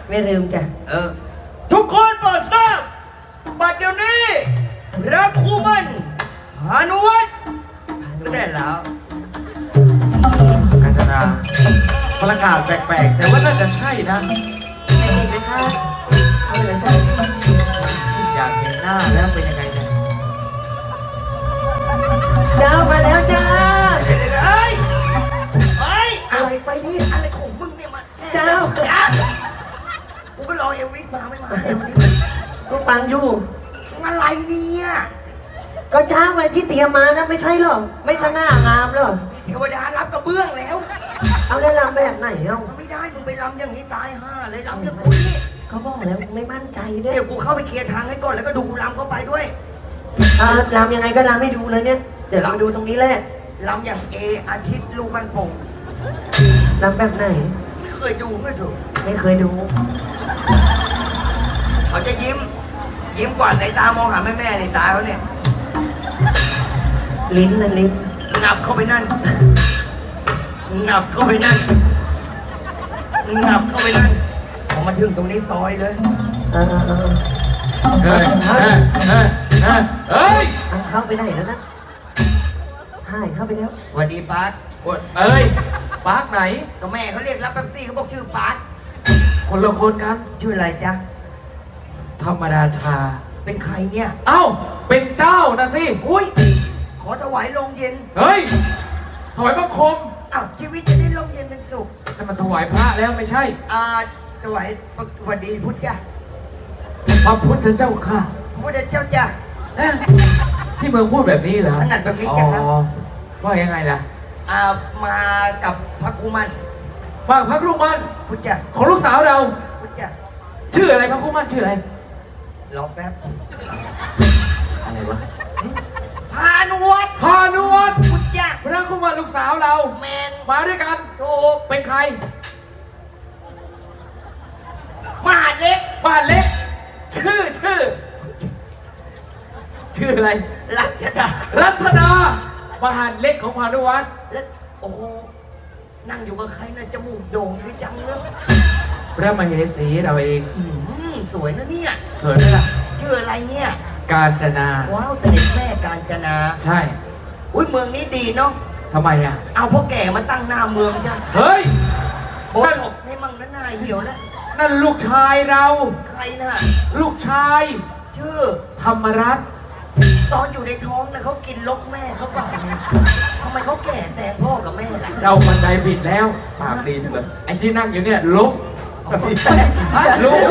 ไม่ลืมจ้ะทุกคนโปรดทราบบัดเดี๋ยวนี้พระครูมั่นพานุวัฒน์เสด็จแล้วกาญจนาประกาศแปลกๆแต่ว่าน่าจะใช่นะไม่ดีไหมคะเอาเลยจ้ะอยากเห็นหน้าแล้วเป็นยังไงเนี่ยเจ้ามาแล้วจ้าเฮ้ยอะไรไปดิอะไรของมึงเนี่ยมาเจ้ากูก็รอเอลวิสมาไม่มาเอลวิสก็ฟังอยู่อะไรเนี่ยก็เจ้าไว้ที่เตรียมมานะไม่ใช่หรอไม่สง่างามหรอเทวดารับกระเบื้องแล้วเอาได้ลำแบบไหนเอ้าไม่ได้มึงไปลำอย่างนี้ตายห่าเลยลำอย่างกูนี่เขาบอกแล้วไม่มั่นใจด้วยเดี๋ยวกูเข้าไปเคลียร์ทางให้ก่อนแล้วก็ดูลำเข้าไปด้วยลำยังไงก็ลำให้ดูเลยเนี่ยเดี๋ยวลำดูตรงนี้แหละลำอย่างอาทิตย์ลูกมันโป่งลำแบบไหนไม่เคยดูไม่ถูกไม่เคยดูเขาจะยิ้มกว่าในตามองหาแม่ในตาเขาเนี่ยลิ้นนะลิ้นงับเข้าไปนั่นงับเข้าไปนั่นงับเข้าไปนั่นพอมาถึงตรงนี้ซอยเลยเฮ้ยเข้าไปไหนแล้วนะหายเข้าไปแล้วสวัสดีปาร์คปาร์คไหนก็แม่เขาเรียกรับแป๊บซี่เขาบอกชื่อปาร์คคนละคนกันชื่ออะไรจ๊ะธรรมดาชาเป็นใครเนี่ยเอ้าเป็นเจ้านะสิอุ้ยขอถวายโรงเย็นเฮ้ยถวายบังคมอ้าวชีวิตจะได้โรงเย็นเป็นสุขนั่นมันถวายพระแล้วไม่ใช่ถวายสวัสดีพุทธจ้ะพระพุทธเจ้าค่ะพุทธเจ้าจ้ะที่เมืองพูดแบบนี้เหรอขนาดแบบนี้จ้ะครับว่ายังไงล่ะมากับพระครูมั่นว่าพระครูมั่นพุทธจ้ะของลูกสาวเราพุทธจ้ะชื่ออะไรพระครูมั่นชื่ออะไรรอแป๊บอะไรวะพานุวัฒน์พุทธจ้ะพระครูมั่นลูกสาวเราแมนมาด้วยกันถูกเป็นใครมหาเล็กชื่ออะไรรัชดามหาเล็กของพานุวัฒน์แล้วโอ้โหนั่งอยู่กับใครนะจมูกโด่งดีจังเลยพระมเหสีเราเองสวยนะเนี่ยสวยไหมล่ะชื่ออะไรเนี่ยกาญจนาว้าวเสด็จแม่กาญจนาใช่อุ้ยเมืองนี้ดีเนาะทำไมอ่ะเอาพ่อแก่มาตั้งหน้าเมืองจ้ะเฮ้ยโบถกให้มั่งนะหน้าเหี่ยวแล้วนั่นลูกชายเราใครน่ะลูกชายชื่อธรรมรัตน์ตอนอยู่ในท้องนะเขากินลกแม่เขาเปล่าทำไมเขาแก่แซงพ่อกับแม่ล่ะเจ้าบันไดผิดแล้วปากดีจังเลยไอ้ที่นั่งอยู่เนี่ยลกลูก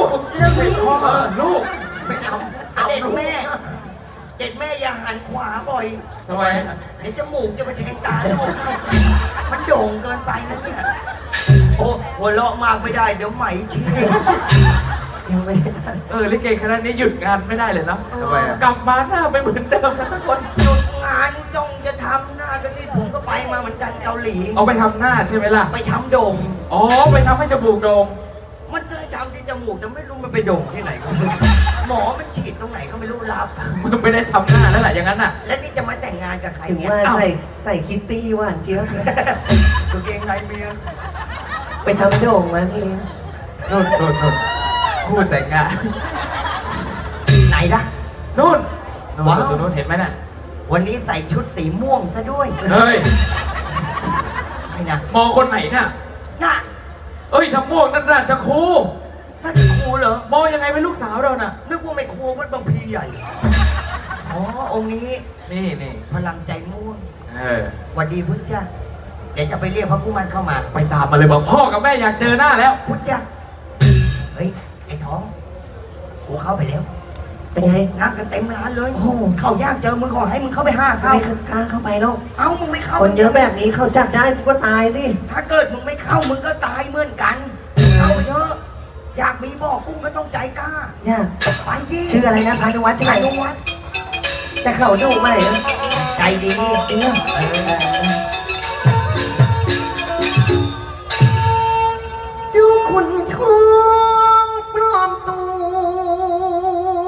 ไม่ทำเด็ดแม่อย่าหันขวาบ่อยทำไมเดี๋ยวจมูกจะไปแทงตาลูกมันโด่งเกินไปนะเนี่ยโอ้หัวเราะมากไม่ได้เดี๋ยวไหมชี้ยังไม่ได้ลิเกคณะนี้หยุดงานไม่ได้เลยเนาะทำไมกลับมาหน้าไม่เหมือนเดิมนะทุกคนหยุดงานจ้องจะทำหน้ากันนี่ผมก็ไปมาเหมือนกันเกาหลีเอาไปทำหน้าใช่ไหมล่ะไปทำโด่งไปทำให้จมูกโด่งมันได้ทำที่จมูกแต่ไม่รู้มันไปโด่งที่ไหนหมอมันฉีดตรงไหนก็ไม่รู้รับมึงไม่ได้ทำหน้าแล้วแหละอย่างนั้นน่ะแล้วนี่จะมาแต่งงานกับใครเนี่ยใส่คิตตี้หวานเจี๊ยบตัวเกงในเมียไปทำโด่งมาเองโน่นพูดแต่งงานไหนล่ะนู่นว้าวนู่นเห็นไหมน่ะวันนี้ใส่ชุดสีม่วงซะด้วยเฮ้ยใครน่ะมองคนไหนน่ะทำม่วงนั่นราชครูเหรอมองยังไงเป็นลูกสาวเราน่ะนึกว่าไม่ครูวัดบางพีใหญ่องค์นี้นี่พลังใจม่วงวันดีพุทธจ้าเดี๋ยวจะไปเรียกพระผู้มันเข้ามาไปตามมาเลยบอกพ่อกับแม่อยากเจอหน้าแล้วพุทธจ้าเฮ้ยไอ้ท้องกูเข้าไปแล้วเป็นไงนั่งกันเต็มร้านเลยเข้ายากเจอมึงขอให้มึงเข้าไปเข้าไม่กล้าเข้าไปหรอกมึงไม่เข้าคนเยอะแบบนี้เขาจับได้กูก็ตายสิถ้าเกิดมึงไม่เข้ามึงก็ตายเหมือนกันเข้าเยอะอยากมีบ่อกุ้งก็ต้องใจกล้าอยากไปดิชื่ออะไรนะพานุวัฒน์พานุวัฒน์แต่เขาดุไหมใจดีจริงเจ้าคุณทองปลอมตัว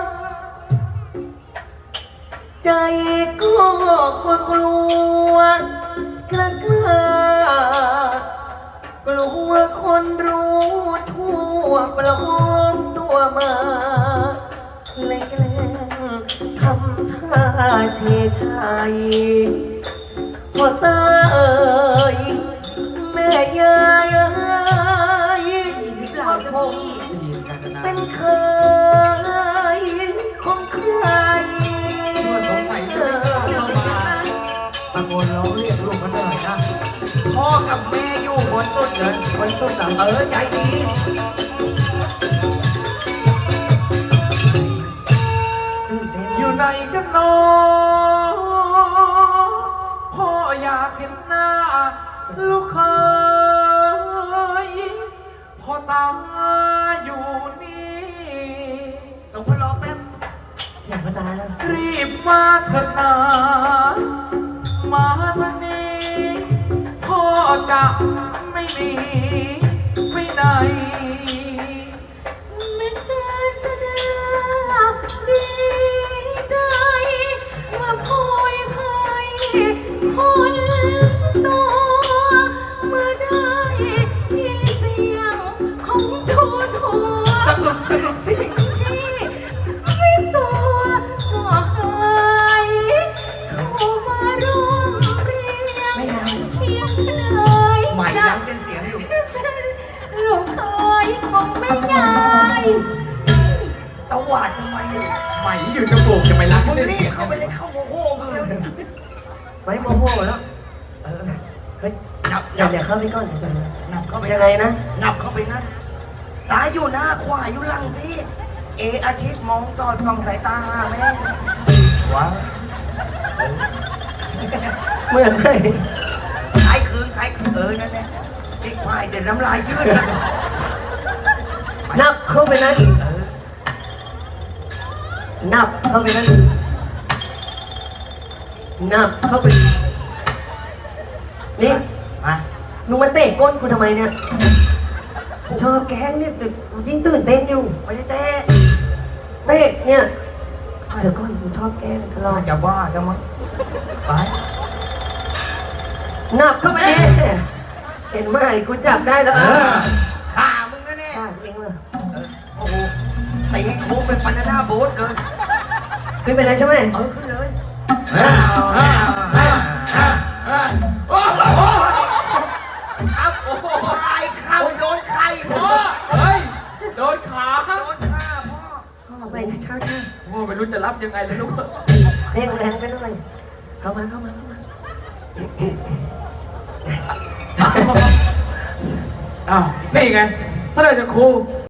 ใจก็กลัวกล้ากลัวคนรู้ทั่วปลอมตัวมาเลยแกล้งทำท่าเชยชัยพอตาเอ่ยแม่ยายเอ้ยหรือเปล่าเจ้าพี่ได้ยินกาญจนาเป็นเคยของใครว่าสงสัยจะไม่กล้าเข้ามาตะโกนร้องเรียกลูกเขาสักหน่อยนะพ่อกับแม่อยู่บนสุดเลยบนสุดสามใจดีตื่นเต้นอยู่ไหนกันน้อพ่ออยากเห็นหน้า ลูกเคยพ่อตาอยู่นี่ส่งพลอแป๊บเสียงพ่อตาแล้วรีบมาเถอะนามาทางนี้พ่อจะไม่หนีไปไหนไม่เกินจะเลือกดีใจว่าพลอยพายคนตัวเมื่อได้ยินเสียงของทูนหัวสิ่งที่ไม่ตัวก็หายเข้ามาร่วมเรียงเคียงเคยใหม่จะยังเส้นเสียงอยู่ลูกเคยของแม่ยายตะหวาดทำไมเนี่ยใหม่อยู่จมูกจะไปรักมึงเส้นรีเสีบยงเข้าไปเลยเข้าโมโหมึงเร็วเนี่ยไว้โมโม่แล้วเออเฮ้ยนับอย่าเข้าไปก่อนเดี๋ยวก่อนนะนับเข้าไปยังไงนะนับเข้าไปนั่นซ้ายอยู่หน้าขวาอยู่หลังที่เออาทิตย์มองสอดส่องสายตาหาแม่ว้าวเหมือนไหมคล้ายคืนนั่นแหละจิกควายเดี๋ยวน้ำลายยืดนะนับเข้าไปนั้นเออนับเข้าไปนั้นนับเข้าไปนี่มามึงมาเตะก้นกูทำไมเนี่ยชอบแกล้งเนี่ยยิ่งตื่นเต้นอยู่ไม่ได้เตะเตะเนี่ยเดี๋ยวก่อนกูชอบแกล้งตลออาดจจะบ้าจะมั้งไปนับเข้าไปเห็นไหมกูจับได้แล้วขามึงแน่ฆ่าเองเลยๆโอ้โหตีให้โค้งเป็นบานาน่าโบ๊ทเลยขึ้นไปเลยใช่ไหมขึ้นเลยโอ้โหครับโอ้โหไอ้เข้าโดนไข่พ่อเฮ้ย โดนขาโดนข้าพ่อเข้าไปช้าโอ้ไม่รู้จะรับยังไงเลยลูกๆเร่งแรงไปหน่อยเข้ามาอ้าว นี่ไง ถ้าเราจะครู